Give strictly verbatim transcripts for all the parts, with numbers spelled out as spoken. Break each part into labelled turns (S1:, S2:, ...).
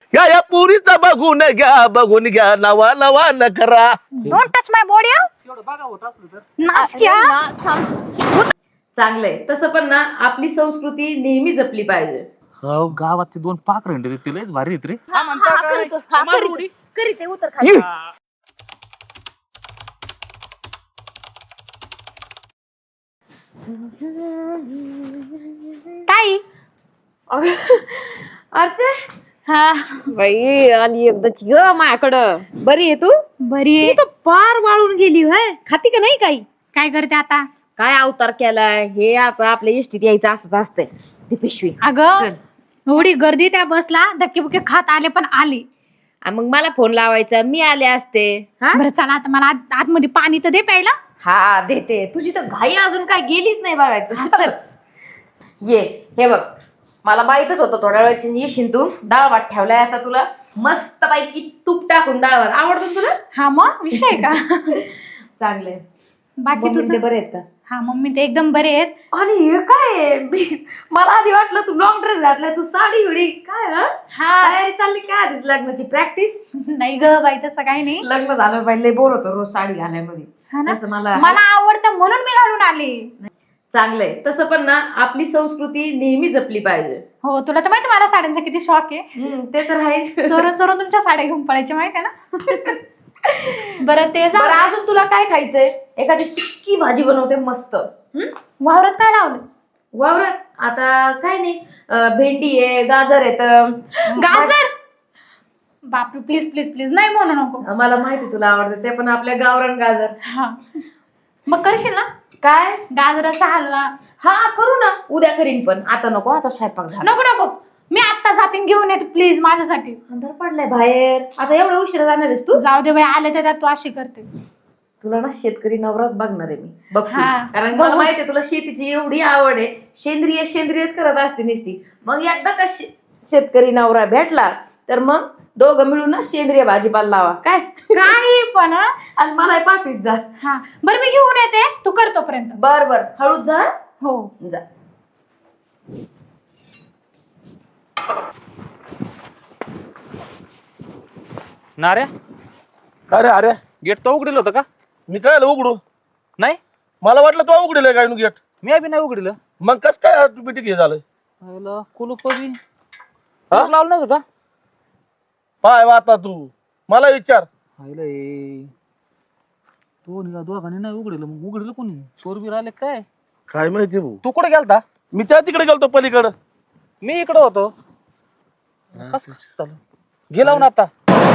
S1: या या पुरीचा बघून घ्या बघून घ्या नवा नवा न करा.
S2: Don't touch my body.
S3: एवढं बघा होत असलं तर
S2: नासक्या.
S4: चांगलंय तसं पण ना आपली संस्कृती नेहमी जपली पाहिजे.
S3: हो गावात दोन पाखरं हिंडत होती, लयच भारी आहेत रे.
S2: हा, हा, करीतो, हा, करीतो. करीते, उतर खाली.
S1: ये.
S2: ताई.
S4: अर्चे
S2: हा
S4: बाई आली एकदाची ग माझ्याकडं. बरी आहे तू?
S2: बरी आहे.
S4: तू तर पार वाळून गेली होय. खाती का नाही काही?
S2: काय करते आता?
S4: काय अवतार केलाय हे आता आपल्या इष्टीत यायचं असंच असतंय. ती पिशवी
S2: अगं एवढी गर्दी त्या बसला, धक्के बुक्के खात आले पण आले.
S4: आ, मग मला फोन लावायचा मी आले असते. हा
S2: बरं चला आता मला आत- आतमध्ये पाणी तर दे प्यायला.
S4: हा देते. तुझी तर घाई अजून काय गेलीच नाही बघायचं.
S2: हा,
S4: चल ये. हे बघ मला माहितच होतं थोड्या वेळाची येशील तू. डाळ भात ठेवलाय आता तुला मस्त पैकी तूप टाकून डाळ भात आवडतो तुला?
S2: हा मग विषय का.
S4: चांगले.
S2: बाकी तुझं
S4: बरे आहेत का?
S2: हा मम्मी ते एकदम बरे आहेत.
S4: आणि हे काय आहे? मी- मला आधी वाटलं तू लॉंग ड्रेस घातलाय, तू साडी बिडी काय हा?
S2: हा
S4: तयारी चालली काय आधीच लग्नाची प्रॅक्टिस?
S2: नाही ग बाई तसं काही नाही.
S4: लग्न झालं पहिले बोर होतो रोज साडी घालायमध्ये.
S2: हा ना?
S4: तसं मला
S2: मला आवडतं म्हणून मी घालून आले.
S4: चांगलंय तसं पण ना आपली संस्कृती नेहमी जपली पाहिजे.
S2: हो तुला तर माहिती मला साड्यांचा किती शॉक आहे.
S4: हम्म, ते तर आहेच.
S2: चोरून चोरून तुमच्या साड्या घेऊन पडायच्या माहिती आहे ना. बरं ते
S4: बरं,
S2: जाऊ.
S4: अजून तुला काय खायचंय? एखादी सुक्की भाजी बनवते मस्त. हम्म?
S2: वावरात काय लावलं?
S4: वावरात आता काय नाही अं, भेंडी आहे गाजर आहेत.
S2: गाजर. बापरे प्लीज प्लीज प्लीज नाही म्हणू नको.
S4: मला माहिती तुला आवडतं ते पण आपल्या गावरान गाजर.
S2: हा मग करशील ना
S4: काय?
S2: गाजराचा हलवा?
S4: हा करू ना उद्या करीन पण आता नको. आता स्वयंपाक झाला.
S2: नको नको मी आत्ता जातीन घेऊन येतो प्लीज माझ्यासाठी.
S4: अंधार पडलाय बाहेर. आता एवढ्या उशिरा जाणार आहेस तू?
S2: जाऊ दे बाई आले तर तू अशी करते.
S4: तुला ना शेतकरी नवराच बघणार आहे मी बघ तू.
S2: हा.
S4: कारण मला माहिती आहे तुला शेतीची एवढी आवड आहे. सेंद्रिय सेंद्रियच करत असते नुसती. मग एकदा का शे- शेतकरी नवरा भेटला तर मग दोघं मिळून ना सेंद्रिय भाजीपाला लावा काय.
S2: काही पण हं?
S4: आणि मला पाठवीत जा.
S2: हा बरं मी घेऊन येते तू कर तोपर्यंत.
S4: बर बर हळूच जा.
S2: हो
S4: जा.
S3: नाऱ्या
S1: अरे अरे
S3: गेट तो उघडेल होतं का?
S1: मी काय उघडू?
S3: नाही
S1: मला वाटलं तू उघडेल काय गेट.
S3: मी बी नाही उघडलं.
S1: मग कस काय ऑटोमॅटिक हे झालं?
S3: कुलूप बी लावलं नव्हतं का?
S1: पाय आता तू मला विचार.
S3: दोन दोघांनी नाही उघडलं मग उघडलं कोणी? चोर बी राहिले काय?
S1: काय माहिती भाऊ.
S3: तू कुठे गेलता?
S1: मी त्या तिकडे गेलतो पलीकडं.
S3: मी इकडे होतो. कस चालू गेला ना आता.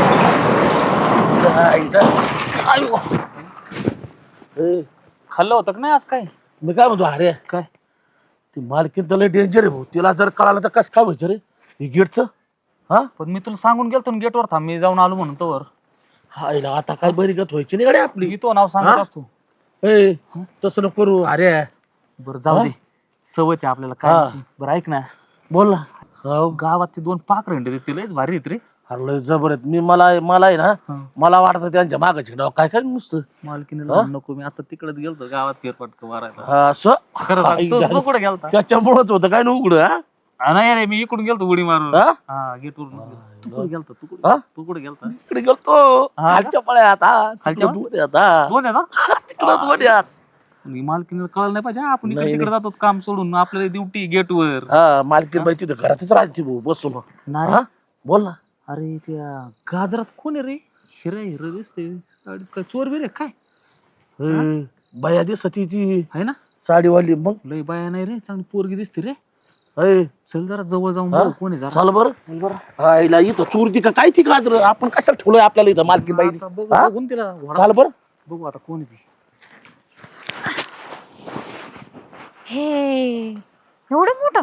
S1: आयो. ए,
S3: खाल्लं होतं का नाही आज काय?
S1: मी काय म्हणतो अरे
S3: काय
S1: ती मालकीन तर लय डेंजर आहे भाऊ. तिला जर कळालं तर कसं काय व्हायचं रे हे गेटचं? हा
S3: पण मी तुला सांगून गेलतो ना गेटवर थांब मी जाऊन आलो म्हणून तोवर.
S1: हायला आता काय बरी गत व्हायची नाही गाडी आपली.
S3: मी तो नाव सांगत
S1: हा?
S3: असतो.
S1: ए तसं नको करू अरे.
S3: बरं जाऊ दे सवयच आहे आपल्याला
S1: हा.
S3: काय. बरं ऐक ना
S1: बोल ना.
S3: हो गावात ते दोन पाखरं हिंडत होती, लयच भारी आहेत रे.
S1: अरे लय जबर आहेत. मी मला मला आहे ना
S3: हा.
S1: मला वाटतं त्यांच्या मागं झिंडाव काय काय नुसतं.
S3: मालकीने
S1: हा?
S3: लावून नको मी आता तिकडेच गेलतो गावात फेरफटका मारायला.
S1: हा, असं
S3: खरं सांग, तू- तू कुठे गेलता?
S1: त्याच्यामुळेच होतं काय ना उघड. हा
S3: हा, नाही रे मी इकडून गेलतो उडी मारून.
S1: हा?
S3: हा गेट वरून. तू कुठे गेलता? तू
S1: हा?
S3: कुठे तू कुठे गेलता?
S1: इकडे गेलतो
S3: हा?
S1: खालच्या पळ्यात. हा
S3: खालच्या?
S1: खालच्या आता
S3: दोन आहे ना?
S1: तिकडं वड्यात.
S3: मालकीने कळलं नाही पाहिजे. आपण इकडे
S1: नाही,
S3: तिकडे जातो काम सोडून आपल्याला ड्युटी गेट वर.
S1: हा मालकीन बाई तिथं घरातच राहते भाऊ बसून.
S3: नाही
S1: हा बोल ना.
S3: अरे त्या गाजरात कोण आहे रे? हिरा हिरा दिसते साडीत. काय चोर बिरे काय
S1: ए, बाया दिसती ती
S3: आहे ना?
S1: साडीवाली. मग
S3: लय बाया नाही रे, चांगली पोरगी दिसते रे.
S1: ए,
S3: चल जरा जवळ जाऊन
S1: हा?
S3: बघू कोण आहे जरा.
S1: चाल बरं चल बरं. हा हिला इथं चोरती का काय ती गाजर आपण कशाला ठेवलोय आपल्याला इथं मालकीन बाई.
S3: आता बघू
S1: हा?
S3: बघून तिला घोडा-
S1: चाल बरं.
S3: बघू आता कोण आहे ती.
S2: हे एवढं मोठं.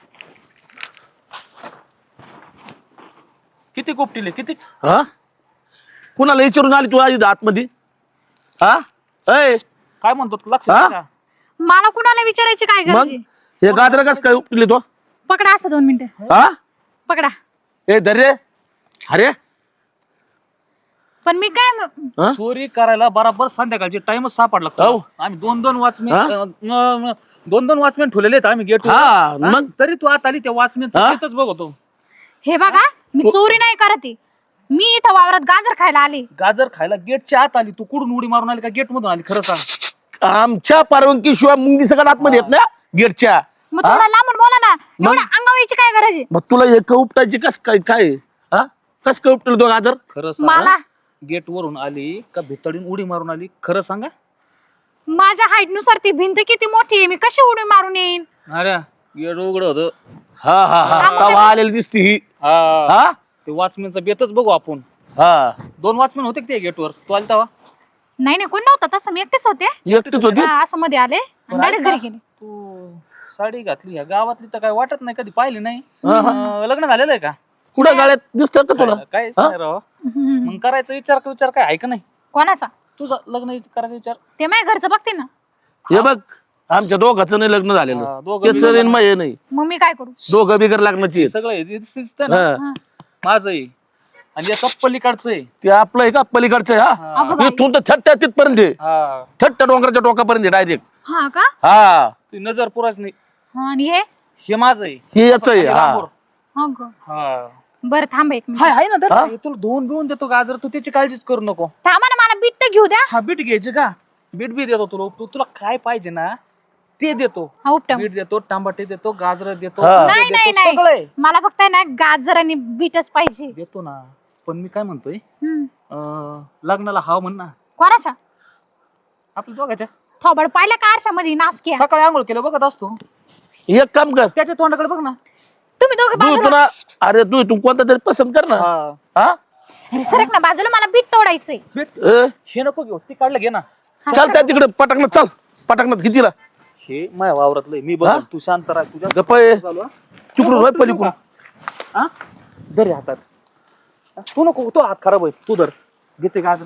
S3: किती कोपटीले किती?
S1: हा कुणाला विचारून आली तू आधी आतमध्ये? हा ए
S3: काय म्हणतो तू? लक्ष
S1: हा?
S3: दे का?
S2: मला कुणाला विचारायची काय
S1: मग
S2: गरज आहे?
S1: हे गाजर कस काय उपटली तो?
S2: पकडा असं दोन मिनिटं
S1: हा
S2: पकडा.
S1: ए दर्रे अरे
S2: पण मी काय म-
S1: हा?
S3: चोरी करायला बराबर संध्याकाळची टाइमच सापडला.
S1: हो.
S3: आम्ही दोन दोन वॉचमॅन
S1: हा?
S3: दोन दोन वॉचमॅन ठेवलेले आहेत आम्ही गेट.
S1: हा मग
S3: तरी तू आता आली त्या वॉचमॅन
S1: हा?
S3: बघतो.
S2: हे बघा मी चोरी नाही करत आहे. मी इथं वावरात गाजर खायला आले.
S3: गाजर खायला गेटच्या आत आली तू, कुठून उडी मारून आली का गेट मधून आली? खरं सांग.
S1: आमच्या परवानगी शिवाय मुंगी सगळ्यात आतमध्ये येत ना गेटच्या.
S2: मग थोडा लांबून बोला ना. एवढ्या अंगावायची काय गरज आहे?
S1: मग तुला एक उपटायची कस काय काय हा कस काय उपटल तो गाजर?
S3: खरं
S2: मला
S3: सांग, गेट वरून आली का भितडीन उडी मारून आली? खरं सांगा.
S2: माझ्या हाईट नुसार ती भिंत किती मोठी आहे, मी कशी उडी मारून येईन?
S3: अरे गेट उघड होत.
S1: हा हा हा तवा आलेली दिसती ही.
S3: हा
S1: हा
S3: ते वॉचमॅनचा बेतच बघू आपण.
S1: हा
S3: दोन वॉचमॅन होते ते गेटवर, तू आली तेव्हा?
S2: नाही नाही कोण नव्हतं तसं, मी एकटेच होते.
S1: एकटीच होती.
S2: हा, असं मध्ये आले डायरेक्ट घरी गेले.
S3: तू साडी घातली ह्या गावातली तर काय वाटत नाही, कधी पाहिली नाही.
S1: हा,
S3: अं, लग्न झालेलं आहे का?
S1: कुठं गाड्यात दिसत का तुला?
S3: काय नाही राव.
S2: हम्म.
S3: मग करायचा विचार विचार काय आहे का नाही
S2: कोणाचा?
S3: तुझा? लग्न करायचा विचार?
S2: ते माझ्या घरचं बघते ना.
S1: हे बघ आमच्या दोघांचं नाही लग्न झालेलं.
S3: हा, दोघं
S1: त्याचं
S3: बिगर-
S1: नाही मग हे नाही.
S2: मग मी काय करू?
S1: दोघं बिगर लग्नाची आहेत.
S3: सगळं हे दिस- दिसतंय ना.
S1: हा.
S2: हा.
S3: माझं आहे आणि याचं पलीकडचं आहे.
S1: ते आपलं आहे का पलीकडचं आहे, हा
S3: हा.
S2: अगं बाई.
S1: इथून तर थट्ट्या तिथपर्यंत आहे.
S3: हा.
S1: थट्ट्या डोंगराच्या टोकापर्यंत डायरेक्ट.
S2: हा का?
S1: हा
S3: ती नजर पुराच नाही.
S2: हा, आणि हे
S3: हे माझं आहे.
S1: हे याच आहे. हा
S3: लांबवर.
S2: हो ग.
S3: हा.
S2: बरं थांब एक मिनिट.
S3: हाय हाय ना दर
S1: हा?
S3: तुला धुवून बिवून देतो गाजर, तू त्याची काळजीच करू नको.
S2: थांबा ना, मला बीट तर घेऊ द्या.
S3: हा बीट घ्यायचे का? बीट बी देतो तुला. तू तुला काय पाहिजे ना ते देतो.
S2: हा उपटम.
S3: बीट देतो, टमाटे देतो, गाजर देतो,
S1: हा.
S3: कांदे
S2: नाही नाही
S3: देतो,
S2: नाही,
S3: सगळे
S2: मला फक्त आहे ना गाजर आणि बीटच पाहिजे.
S3: देतो ना. पण मी काय म्हणतोय,
S2: हम्म.
S3: अं, लग्नाला हाव म्हण ना
S2: कोणाच्या?
S3: आपल्या दोघाच्या.
S2: थोबड पाहिलं का आरशामध्ये नाचक्या?
S3: सकाळी आंघोळ केलं बघत असतो,
S1: एक काम कर
S3: त्याच्या तोंडाकडे बघ ना.
S2: तुम्ही दोघे
S1: तू
S2: बाजूला.
S1: तुला अरे तू तू कोणता तरी पसंत कर ना.
S3: हा.
S1: हा
S2: अरे सरक ना बाजूला, मला बीट तोडायचंय.
S3: बीट
S1: ए,
S3: हे नको घेऊ, ती काढलं घे ना.
S1: चल त्या तिकडे पटाकन चल पटाकन कितीला
S3: हे माझ्या वावरातलं मी
S1: हा?
S3: बघ, तू शांत राह. तुझ्या
S1: गप्प आहे.
S3: चालू हा?
S1: तिकडून होय पलीकडून.
S3: हा? धर हे हातात. तू नको, तो हात खराब होईल. तू धर, घेते गाजर.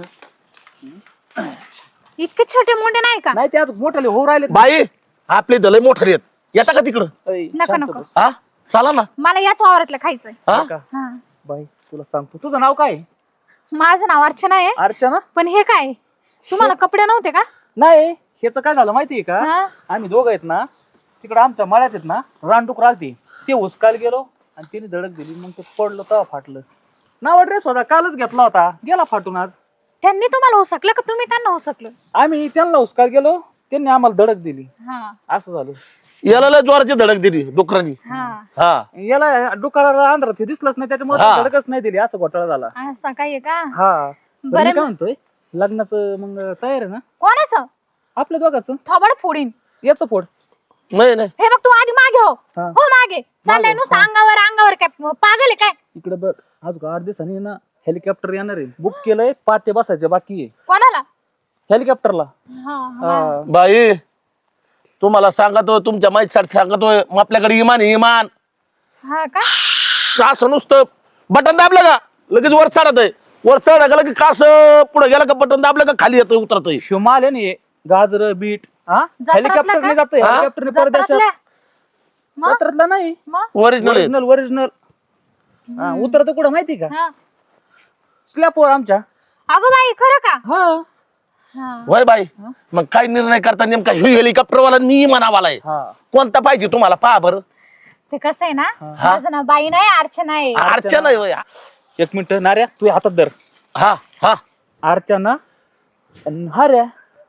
S2: इतके छोटे मोठे नाही का?
S3: नाही ते आज मोठाले हो राहिले.
S1: बाई आपले दलय मोठे येत येता का तिकडं?
S3: ऐ,
S2: नको,
S3: शांत
S2: नको.
S3: बस.
S1: हा चला ना.
S2: मला याच वावरातलं खायचंय.
S1: हा
S3: का?
S2: हा.
S3: बाई तुला सांगतो, तुझं नाव काय?
S2: माझं नाव अर्चना आहे.
S3: अर्चना?
S2: पण हे काय, तुम्हाला कपडे नव्हते का?
S3: नाही, ह्याचं काय झालं माहितीये का?
S2: हा?
S3: आम्ही दोघं आहेत ना, तिकडे आमच्या मळ्यात आहेत ना, रानडुक राहते. ते हुसकायला गेलो आणि तिने धडक दिली, मग ते पडलं तेव्हा फाटलं. नावा ड्रेस होता, कालच घेतला होता, गेला फाटून आज.
S2: त्यांनी तुम्हाला हुसकलं का तुम्ही त्यांना हुसकलं?
S3: आम्ही त्यांना हुसकायला गेलो, त्यांनी आम्हाला धडक दिली.
S2: हा.
S3: असं झालं.
S1: याला लय जोराची धडक दिली डुकरांनी.
S2: हा.
S1: हा
S3: याला डुकाराला आंध्रात हे दिसलंच नाही, त्याच्यामुळे
S1: हा.
S3: धडकच नाही दिली. असं घोटाळा झाला.
S2: असं काय आहे का?
S3: हा. पण मी
S2: बरं
S3: काय म्हणतोय, लग्नाचं मग तयार आहे ना
S2: कोणाचं?
S3: आपल्या दोघांचं?
S2: थोबड फोडीन.
S3: याचं फोड.
S1: नाही नाही
S2: हे बघ तू आधी मागे हो.
S3: हा.
S2: हो मागे चाललंय नुसतं अंगावर अंगावर, काय पागल आहे काय?
S3: इकडे बघ, आज आठ दिवसांनी ना हेलिकॉप्टर येणार आहे. बुक केलंय, पाच ते बसायचे बाकी आहे
S2: कोणाला?
S3: हेलिकॉप्टरला.
S2: हा, हा.
S3: हा.
S1: बाई तुम्हाला सांगतो, तुमच्या माहितीसाठी सांगतोय, मग आपल्याकडे इमान आहे, इमान.
S2: हा का?
S1: असं नुसतं बटन दाबलं का लगेच वर चढत आहे. वर चढ गेलं की कास पुढे गेलं का बटन दाबलं का खाली येतोय उतरतोय.
S3: शिवमाल आहे ना हे, गाजर बीट. हा
S2: जत्रातला
S3: हेलिकॉप्टरने
S2: का?
S3: जातोय,
S1: हा?
S3: हेलिकॉप्टरने परदेशात.
S2: जत्रातल्या? मग?
S3: जत्रातला नाही,
S2: मग?
S1: Original
S3: original original. उतरत कुठं माहिती का?
S2: हा.
S3: स्लॅपवर आमच्या.
S2: अगं बाई खरं का?
S3: हा.
S2: हा.
S1: होय बाई. मग काय निर्णय करता नेमका हेलिकॉप्टर वाला मी म्हणावालाय
S3: हा.
S1: कोणता पाहिजे तुम्हाला पहा बरं.
S2: ते कसं आहे ना,
S1: हा.
S2: माझं नाव बाई नाही अर्चना आहे.
S1: अर्चना आहे होय.
S3: एक मिनिट नार्या, तू हातात धर.
S1: हा हा
S3: अर्चना आणि हार्या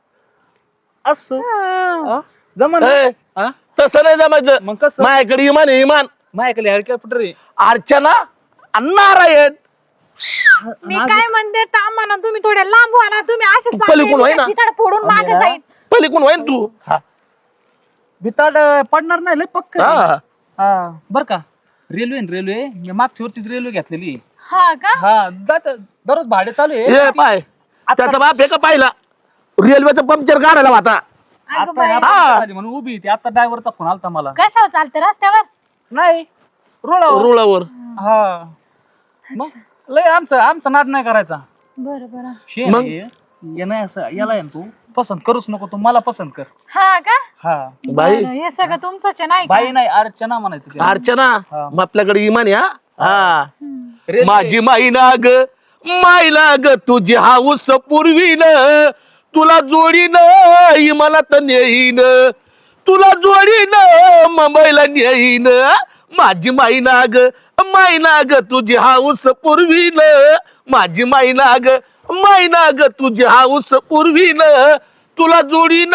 S3: असं. हा? जमन ना?
S1: ए,
S3: हा?
S1: तसं नाही जमायचं.
S3: मग कसं?
S1: माझ्याकडे इमान आहे, इमान.
S3: माझ्याकडे हेलिकॉप्टर आहे.
S1: अर्चना आणि नारायण.
S2: मी काय म्हणते थांबा ना, तुम्ही थोड्या लांब व्हा ना. तुम्ही असे
S1: तू पलीकडून होय ना?
S2: चालले फोडून मागे
S3: आम्ही
S2: जाईल.
S1: पलीकडून होय ना तू. हा
S3: भिताड पडणार नाही, लय पक्क.
S1: हा.
S3: हा बर का. रेल्वे न रेल्वे, मी मागच्या वरचीच रेल्वे घेतलेली.
S2: हा का?
S3: हा जात दररोज भाडे चालू आहे.
S1: ए पाय त्याचा बाप हे का पाहिला रेल्वेचं पंक्चर काढायला होता.
S2: अगं
S3: आता
S2: बाई.
S3: ह्या पंक्चर आली म्हणून उभी ती. आता ड्रायव्हरचा फोन आलता मला.
S2: कशावर चालते रस्त्यावर?
S3: नाही, रुळावर.
S1: रुळावर.
S3: हा. मग लय आमचं आमचा नाद नाही करायचा.
S2: बरं बरं.
S3: हे
S1: मग?
S3: नाही, हे नाही असं याला आहे ना, तू पसंत करूच नको, तू मला पसंत कर.
S2: हा का?
S3: हा.
S1: बाई
S2: बरं, हे सगळं तुमचंच आहे नाही का?
S3: बाई नाही, अर्चना म्हणायचं तिला.
S1: अर्चना
S3: हा.
S1: मग आपल्याकडे इमान आहे. हा हा
S2: हम्म.
S3: रेल्वे.
S1: माझी माईना ग माईला ग तुझी हाऊस पूर्वीन तुला जोडीन इमानात नेईन तुला जोडीन मुंबईला नेईन माझी माईना ग मायना ग तुझी हाऊस पूर्वीन माझी मायना ग मायना ग तुझी हाऊस पूर्वीन तुला जोडीन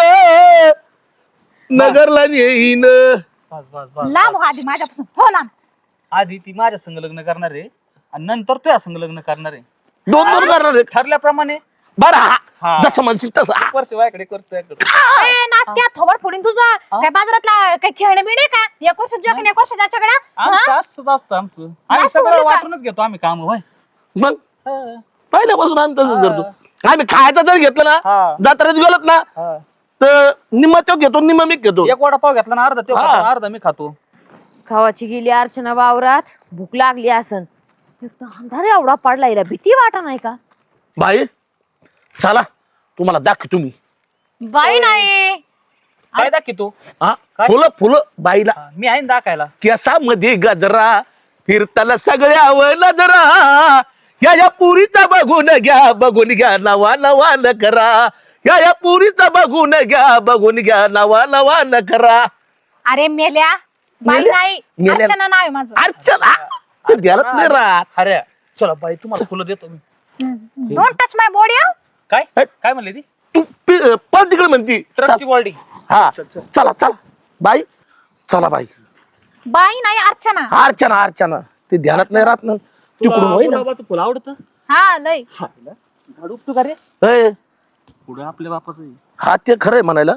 S1: नगरला नेईन.
S3: बस बस बस
S2: लांब हो आधी माझ्यापासून हो लांब.
S3: आधी ती माझ्या संग लग्न करणार आहे आणि नंतर तुझ्या संग लग्न करणार आहे.
S1: दोन दोन करणार आहे.
S3: ठरल्याप्रमाणे
S1: बरं
S3: हा.
S1: हा जसं म्हणशील तसं हा.
S3: एक वर्ष वायकडे करतोय
S2: ए, नासक्या थोबड फोडीन तुझं. काय बाजारातला काय खेळणे बिणे का एक वर्ष जग एक वर्ष त्याच्याकडे
S3: आमचं असंच असतं आमचं आम्ही
S2: असं
S3: सगळं
S2: होईल का?
S3: वाटूनच घेतो आम्ही काम होय.
S1: मग
S3: हा.
S1: पहिल्यापासून आम्ही तसंच
S3: हा.
S1: करतो. आम्ही खायचं जर घेतलं ना
S3: हा.
S1: जत्रेत गेलोत ना
S3: हा.
S1: तर निम्मा तो घेतो निम्मा मी घेतो.
S3: एक वडापाव घेतला ना अर्धा तो
S1: हा.
S3: खातो, अर्धा मी खातो.
S4: खावाची गेली अर्चना वावरात भूक लागली असन अंधार एवढा पडला हिला भीती वाटा नाही का?
S1: बाई चला तुम्हाला दाखव तुम्ही
S2: बाई नाही.
S3: काय दाखी तू
S1: हा
S3: काय?
S1: फुलं फुलं बाईला
S3: हा, मी आहे ना दाखायला.
S1: केसामध्ये गजरा फिरताना सगळ्यावर नजरा या या पुरीचा बघून घ्या बघून घ्या नवा नवा न करा या या पुरीचा बघून घ्या बघून घ्या नवा नवा न करा.
S2: अरे मेल्या बाई
S1: मेल्या?
S2: नाही
S1: मेल्या?
S2: अर्चना नाव आहे माझं.
S1: अर्चना ते ध्यानात नाही राहत.
S3: अरे चला बाई तुम्हाला फुलं देतो मी.
S2: Don't touch my body.
S3: काय
S1: हट.
S3: काय म्हणली ती
S1: तू पि- पळ तिकडे म्हणती
S3: ट्रकची बॉडी.
S1: हा चला चला बाई चला बाई
S2: बाई नाही अर्चना.
S1: अर्चना अर्चना ते ध्यानात नाही राहत ना तिकडून होई ना.
S3: गुलाबाचं फुल आवडतं.
S2: हा लय.
S3: झाड उपतो का रे
S1: ए,
S3: पुढे आपल्या बापाचं आहे.
S1: हा ते खरंय म्हणायला.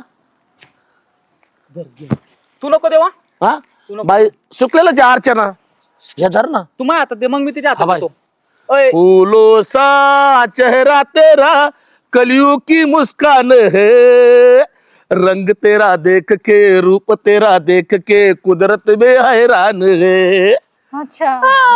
S3: तू नको देवा
S1: हा
S3: तू नको.
S1: बाई सुकलेलं ते अर्चना हे धर ना.
S3: तू माझ्या हातात दे मग मी तिच्या
S1: हा,
S3: हातात
S1: बाई.
S3: देतो. ओय,
S1: फूलों सा चेहरा तेरा कलियों की मुस्कान है रंग तेरा देख के रूप तेरा देख के कुदरत में हैरान है.
S2: अच्छा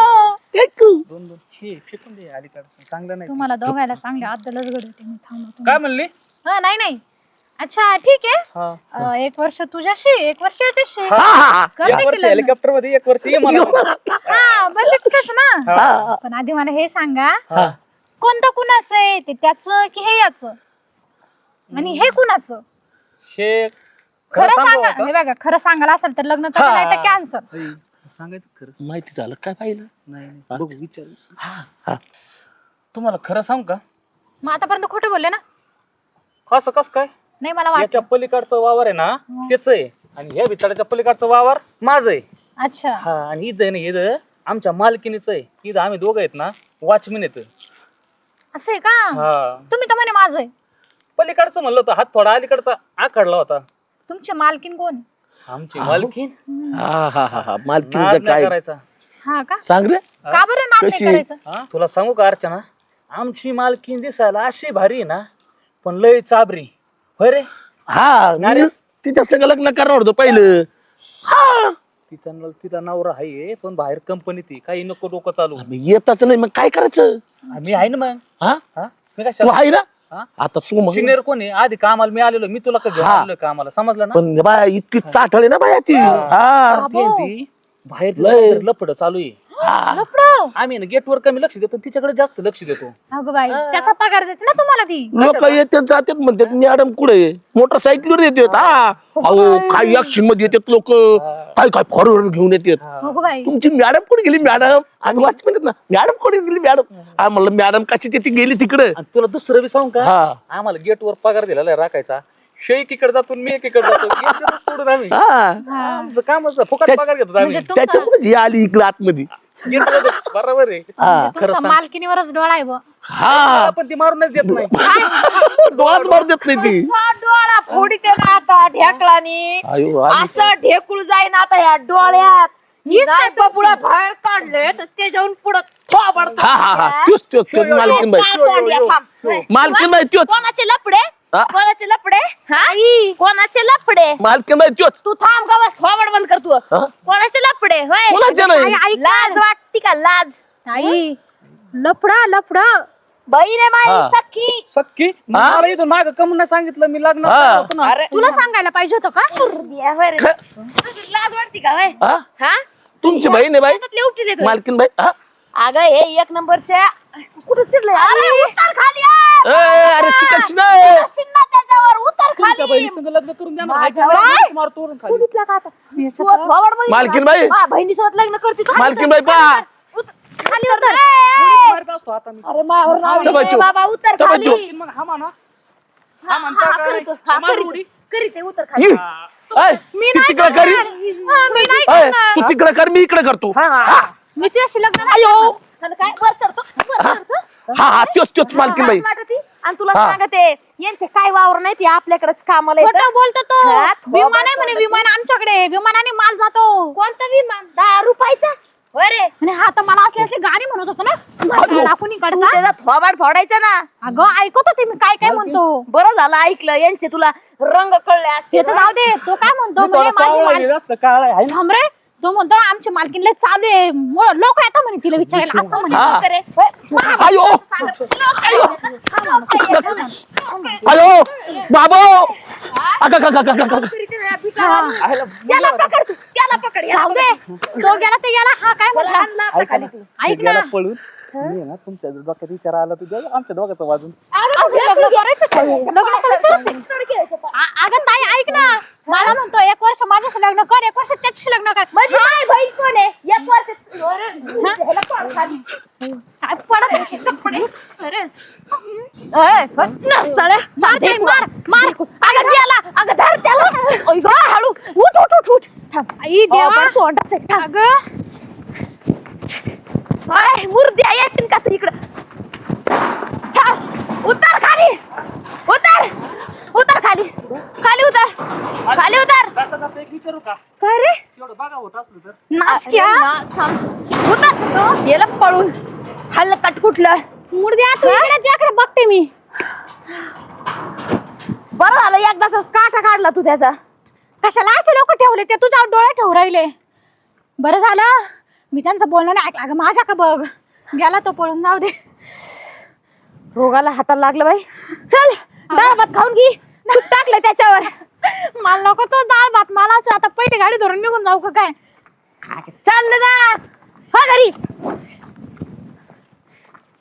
S1: एक
S3: दोन दोन छे फेकून दे अलीकडचं चांगलं नाही.
S2: तुम्हाला दोघायला चांगले आदलच घडवते मी. थांबा
S3: काय म्हणली
S2: हा नाही नाही. अच्छा ठीक आहे.
S3: हा.
S2: अं, एक वर्ष तुझ्याशी एक वर्ष याच्याशी.
S1: हा, हा,
S2: करते
S3: एक
S2: की
S3: वर्ष
S2: लग्न?
S3: हेलिकॉप्टर मध्ये एक वर्ष ये मला.
S2: हा बस इतकंच ना.
S1: हा.
S2: पण आधी मला हे सांगा
S3: हा.
S2: कोणतं कुणाचं आहे ते त्याचं की हे याचं आणि हे कुणाचं
S3: शेख
S2: खरं
S3: सांगू
S2: सांगा.
S3: आता?
S2: हे बघा खरं सांगायला असेल तर लग्न तर
S3: हा.
S2: नाही तर कॅन्सर.
S3: ओय, सांगायचं खरं
S1: माहिती झालं काय पाहिलं.
S3: नाही नाही. बघू विचार.
S1: हा.
S3: तुम्हाला खरं सांग का
S2: मग आतापर्यंत खोटं बोलले ना.
S3: कसं कस काय
S2: नाही मला वाटतं.
S3: याच्या पलीकडचं वावर आहे ना त्याच आहे आणि ह्या भिताडाच्या पलीकडचं वावर माझं आहे.
S2: अच्छा
S3: हा आणि इथं आहे ना इथं आमच्या मालकीनीच आहे. इथं आम्ही दोघं आहेत ना वॉचमॅन येत.
S2: असं आहे का.
S3: हा
S2: तुम्ही तर म्हणे माझं आहे.
S3: पलीकडचं म्हणलं होतं हात थोडा अलीकडचा आखडला होता.
S2: तुमची मालकीन कोण.
S3: आमची मालकीन
S1: हा हा हा हा
S3: नाद
S1: मालकीचं
S3: नाही
S1: काय
S3: करायचा.
S2: हा का
S1: सांग रे.
S2: का बरं नाद नाही
S1: कशी?
S2: करायचं.
S3: हा तुला सांगू का अर्चना आमची मालकीन दिसायला अशी भारी आहे ना पण लय चाबरी होय रे.
S1: हा मी तिच्या संग लग्न करणार होतो पहिलं. हा
S3: तिचा न- तिचा नवरा आहे पण बाहेर कंपनीत आहे. काही नको डोकं चालू.
S1: मी येतच नाही मग काय करायचं.
S3: मी आहे ना मग
S1: हा
S3: हा मी
S1: तू
S3: काय
S1: आहे ना
S3: हा?
S1: आता सो मग
S3: सिनियर कोण आहे आधी कामाला मी आलेलो मी तुला का घेऊन
S1: हा.
S3: आलोय कामाला समजलं ना.
S1: पण बाया इतकी चाटळे ना बाया ती. हा
S3: ती आहे ती बाहेर
S1: लय.
S3: लपड चालू आहे.
S1: हा.
S2: लफडं.
S3: आम्ही ना गेटवर कमी लक्ष देतो तिच्याकडे जास्त लक्ष देतो.
S2: अगं बाई त्याचा पगार देते ना तुम्हाला ती.
S1: लोक येतात जातात म्हणतात मॅडम कुठे मोटरसायकलवर येतात. हा अहो काही ऍक्शन मध्ये येतात लोक काय काय फॉरवर्ड घेऊन येतात.
S2: अगं बाई
S1: तुमची मॅडम कुठे गेली मॅडम आम्ही वाचमेन आहेत ना मॅडम कुठे गेली मॅडम हा म्हणलं मॅडम कशी ती गेली तिकडे.
S3: आणि तुला दुसरं बी सांगू का
S1: हा
S3: आम्हाला गेटवर पगार दिलेला आहे राखायचा. शे एकीकडे जातो आणि मी एकीकडे जातो gate वरच सोडून आम्ही
S1: हा
S3: आमचं काम असं फुकट पगार घेतो आम्ही.
S2: म्हणजे तुमचा
S1: त्याच्यामुळे जी आली इकडे आतमध्ये.
S3: Gate वर बरोबर आहे.
S1: हा
S2: म्हणजे तुमचा मालकीनीवरच डोळा आहे बुवा.
S1: हा
S3: पण ती मारूनच देत नाही.
S1: डोळ्यात मार देत नाही ती.
S4: असा डोळा फोडीते ना आता ढेकलानी
S1: अयो आली.
S4: असं ढेकूळ जाईन आता या डोळ्यात. नाही बबुळा बाहेर काढले तर ते जाऊन पुढं थोबड
S1: हा हा हा त्योच त्योच त्योच मालकीन बाई मालकीन बाई त्योच.
S4: कोणाचे लपडे
S1: हा?
S4: कोणाचे लपडे हा कोणाचे लपडे
S1: मालकीन बाई त्योच.
S4: तू थांब गवस थोबड बंद कर तू.
S1: हा?
S4: कोणाचे लपडे होय
S1: कोणाचे नाही.
S2: आई, ऐक
S4: लाज वाटती का लाज.
S2: आई लफडा लफडा.
S4: बहीण आहे
S1: हा.
S4: माई सख्खी.
S3: सक्की मला इथून माग कम नाही सांगितलं मी लग्न
S1: हा.
S3: होतं ना.
S2: तुला सांगायला पाहिजे होतं का.
S4: बिया होय रे. तुझी लाज वाटती का होय
S1: हा
S4: हा
S1: तुमची बहीण आहे बाई
S4: शेतातले उपटी देतोय.
S1: मालकीन बाई. हा
S4: अगं हे एक नंबरच्या कुठं चिडले अरे उतर खाली
S1: ए, अरे चिकन
S4: शिन्ना त्याच्यावर उतर
S3: तुमच्या बहिणीसंग लग्न करून द्या ना.
S2: माझ्या
S3: हायच्या
S2: बाई.
S3: हायच्या मारतो वरून खाली.
S2: कुठला का आता? तू थोबाड बघितलं
S1: मालकीन
S2: का?
S1: बाई.
S2: हा, बहिणीसोबत लग्न करते तू.
S1: मालकीन बाई पहा.
S2: खाली उतर.
S3: मारत असतो आता मी.
S2: अरे मावर नाव
S1: चल
S2: घे,
S1: बच्चू.
S2: बाबा उतर
S1: चल
S2: खाली.
S1: बच्चू.
S3: मग हा म्हणा
S2: हा,
S3: हा म्हणता
S2: हा,
S3: काय?
S2: करीतो, हा,
S3: मार
S2: करीतो.
S3: उडी.
S2: करीते, उतर खाली.
S1: ये.
S3: हा.
S1: ऐ,
S2: मी
S1: तू
S2: नाही
S1: तिकडे करी
S2: करणार. हा, मी नाही
S1: ऐ,
S2: करणार.
S1: तू तिकडे कर मी इकडे करतो
S3: हा, हा.
S1: हा
S2: मी तुझ्याशी लग्न नाही करणार. आणि काय वर चढतो वर चढतो.
S1: हा हा त्योच त्योच मालकीन बाई
S2: लाज वाटते. आणि तुला
S1: हा.
S2: सांगते यांचे काय वावर नाही ते आपल्याकडेच कामाला येतं. बोलतो तो विमान आहे म्हणे विमान आमच्याकडे विमानाने माल जातो. कोणतं विमान? दहा रुपयाचा. अरे म्हणे हा तर मला असले असले गाणी म्हणत होतो ना कुणीकडचा
S4: त्याचा थोबाड फोडायचा ना.
S2: अगं ऐकत होते मी काय काय म्हणतो.
S4: बरं झालं ऐकलं, यांचे तुला रंग कळले असते.
S2: ते तर जाऊ दे तो काय म्हणतो
S3: मी
S2: म्हणे
S3: थोडा
S2: माझी
S3: सावळा
S2: माल
S3: आहे, जास्त काळा आहे. हाय ना?
S2: थांब रे तो म्हणतो आमची मालकीन लय चालू आहे लोक येतात म्हणे तिला विचारायला असं म्हणे.
S1: हा.
S2: करे. होय, मा-
S1: आयो
S2: सांगत.
S1: आयो आयो बाबो अगं अगं, अगं, अगं, अगं.
S2: हा.
S3: आयला
S2: त्याला पकड तू त्याला पकड जाऊ दे तो गेला ते गेला हा काय म्हणला
S3: ऐका ना,
S2: ऐक
S3: ते गेला
S2: ना.
S3: पळून मी आहे ना तुमच्या डोक्यात विचार आला तू द्या आमच्या दोघांचं वाजून.
S2: असं लग्न करायचंच आहे. लग्नाचं विचारायचं आहे. आ- अगं ताई ऐक ना मला म्हणतो एक वर्ष माझ्याशी लग्न कर एक वर्ष त्याच्याशी लग्न कर
S4: माझी माय बहीण कोण आहे? एक वर्ष ह्याला पळ खाली.
S2: काय पडत आहे कपडे. अरे. ओय, फट ना, साल्या. मार ते, मार मार अगं त्याला अगं धर त्याला ओय गं, हळू उठ उठ उठ उठ थांब. आई देवा तोंडाच आहे थांब. अगं
S4: हाय, मुर्द्या येशील का तू इकडं?
S2: थांब. उतर खाली उतर उतर खाली खाली उतर खाली उतर.
S3: जाता जाता एक विचारू का
S2: काय रे
S3: एवढं बघा होत असलं तर.
S2: नासक्या उतर गेला पळून हल्ल कटकुटलं मुर्द्या तू इकडे तुझ्याकडे बघते मी.
S4: बरं झालं एकदाच काटा काढला तू त्याचा.
S2: कशाला असे लोक ठेवले ते तुझ्यावर डोळे ठेवू राहिले. बरं झालं मी त्यांचं बोलणं नाही ऐकलं. अगं माझ्या का बघ गेला तो पळून जाऊ दे.
S4: रोगाला हाताला लागलं बाई. चल डाळ भात खाऊन घे. तूप टाकलं त्याच्यावर.
S2: मला नको तो डाळ भात मला असं आता पहिले गाडी धरून निघून जाऊ का काय.
S4: चाललं ना. हा घरी.